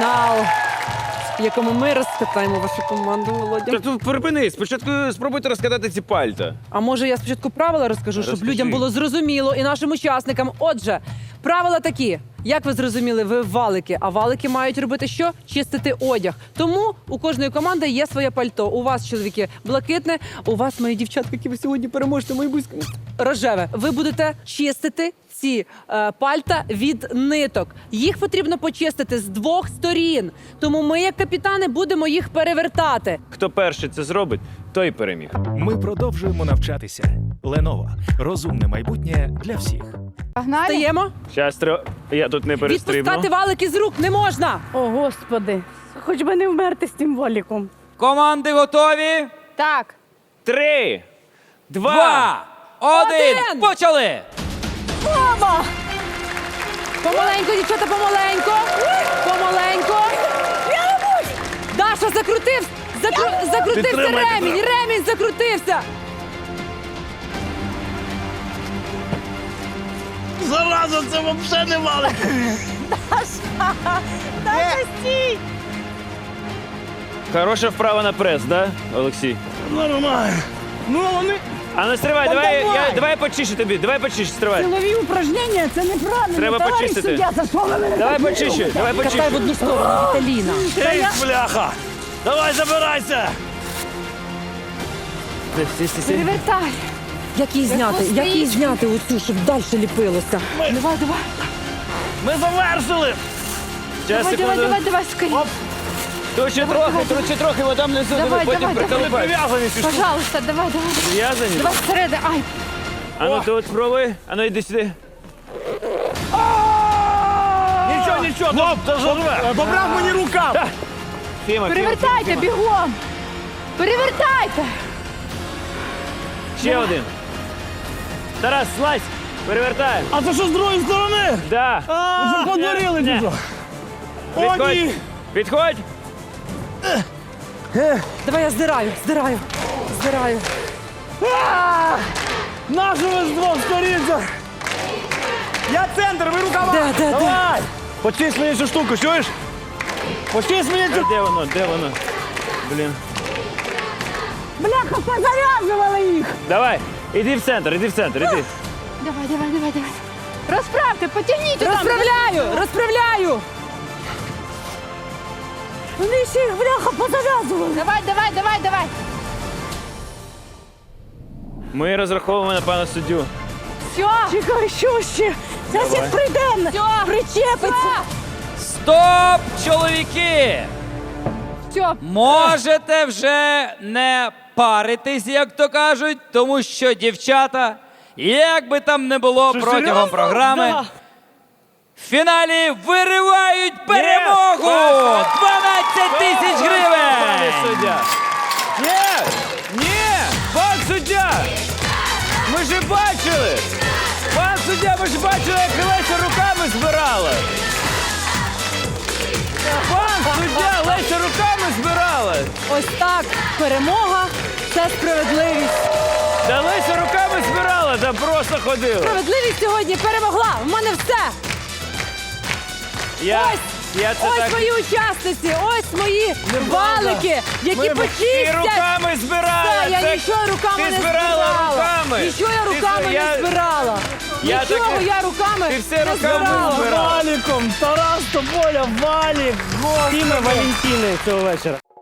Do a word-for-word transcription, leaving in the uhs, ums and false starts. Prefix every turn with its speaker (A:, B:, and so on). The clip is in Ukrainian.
A: фінал, в якому ми розкатаємо вашу команду, Володя.
B: Та тут припини, спочатку спробуйте розкатати ці пальта.
A: А може я спочатку правила розкажу, щоб
B: Розкажи.
A: людям було зрозуміло і нашим учасникам. Отже, правила такі. Як ви зрозуміли, ви валики, а валики мають робити що? Чистити одяг. Тому у кожної команди є своє пальто. У вас, чоловіки, блакитне, у вас, мої дівчатки, які ви сьогодні переможете, мої близькі, рожеве. Ви будете чистити ці е, пальта від ниток. Їх потрібно почистити з двох сторін. Тому ми, як капітани, будемо їх перевертати.
B: Хто перший це зробить, той переміг.
C: Ми продовжуємо навчатися. Lenovo. Розумне майбутнє для всіх.
D: Погнали?
A: Стаємо?
B: Щас треба... Я тут не перестрибну.
A: Відпускати валики з рук не можна.
D: О, Господи. Хоч би не вмерти з тим воліком.
E: Команди готові?
D: Так.
B: Три, два,
E: Два, один,
A: Один!
E: почали!
D: Мама!
A: Помаленько, дівчата, помаленько. Помаленько. Даша, закрутив, закру... закрутився
B: Підтримай,
A: ремінь, ремінь закрутився.
F: Зараза, це взагалі не валик.
D: Даша, стій!
B: Хороша вправа на прес, да, Олексій?
F: Нормально. Ну, вони...
B: А ну стривай,
D: Та
B: давай,
D: давай.
B: я, давай почищу тобі, давай почищу, стривай.
D: Силові упражнення – це неправильно.
B: Треба
D: Товариш
B: почистити.
D: суддя, за що ви мене
B: Давай
D: так
B: почищу,
D: робите?
B: давай
A: Катай в
B: почищу.
A: одну сторону, Віталіна.
F: Ей, бляха! Давай, забирайся!
B: Сі, сі, сі.
D: Перевертай.
A: Як її зняти? Як її зняти оцю, щоб далі ліпилося?
D: Давай, давай.
F: Ми завершили!
B: Щас,
D: Давай, давай,
B: секунду.
D: давай, давай, скоріше.
B: Тут ще трохи, тут ще трохи, вода внизу, диви,
D: Давай,
B: потім
D: давай, давай.
B: приколупай.
F: Прив'язані ці штуки.
D: Пожалуйста, давай, давай.
B: Прив'язані?
D: Давай всередину. Ай,
B: А ну тут спробуй, а ну йди сюди.
F: Нічого, нічого, Хлоп, заживе. Добрав мені рукав.
B: Фіма, Фіма,
D: перевертайте,
B: Фіма.
D: бігом. Перевертайте.
B: Ще один. Тарас, слазь, перевертай.
F: А це що з другої сторони?
B: Да.
F: Ви що подурили,
B: Не.
F: чи що? О,
B: Підходь,
F: ні.
B: підходь.
A: Давай я здираю, здираю, здираю.
F: Нащо ви з двох сторін? це? Я центр, ви рукава.
A: Де, де, де?
F: Давай. Почисть мені цю штуку, чуєш? Почисть мені
B: А
F: цю...
B: де воно, де воно? Блін.
D: Бляха, позав'язували їх.
B: Давай, іди в центр, іди в центр, іди.
D: Давай, давай, давай, давай. Розправте, потягніть там.
A: Розправляю, розправляю.
D: Вони ще їх, бляха, позав'язували. Давай, давай, давай, давай.
B: Ми розраховуємо на пана суддю.
D: Все. Чекай, що ще? Зараз
B: Давай.
D: як прийде, причепиться.
E: Стоп, чоловіки!
D: Все.
E: Можете вже не паритись, як то кажуть, тому що дівчата, як би там не було
F: Що,
E: протягом
F: серйозно?
E: програми,
F: Да.
E: в фіналі виривають перемогу! дванадцять тисяч
B: Пане
E: гривень!
B: суддя. Ні, ні, пан суддя. Ми ж бачили. Пан суддя, ми ж бачили, як Леся руками збирала. Пан суддя, Леся руками збирала.
A: Ось так, перемога – це справедливість.
B: Та Леся руками збирала, та просто ходила.
A: Справедливість сьогодні перемогла. У мене все.
B: Я,
A: Ось,
B: я це
A: ось
B: так...
A: мої учасниці, ось мої валики, які
B: Ми
A: почистять.
B: і руками збирала.
A: Та, я
B: Це-
A: нічого руками
B: ти
A: не
B: збирала
A: збирала.
B: руками.
A: Нічого я
B: Ти
A: руками
B: зб- я-
A: не збирала.
B: Я
A: Нічого
B: таке-
A: я руками
B: Ти все
A: не
B: руками
A: збирала.
B: збирала.
F: Валіком, Тарас Тополя, Валік, Тіма Валентини цього вечора.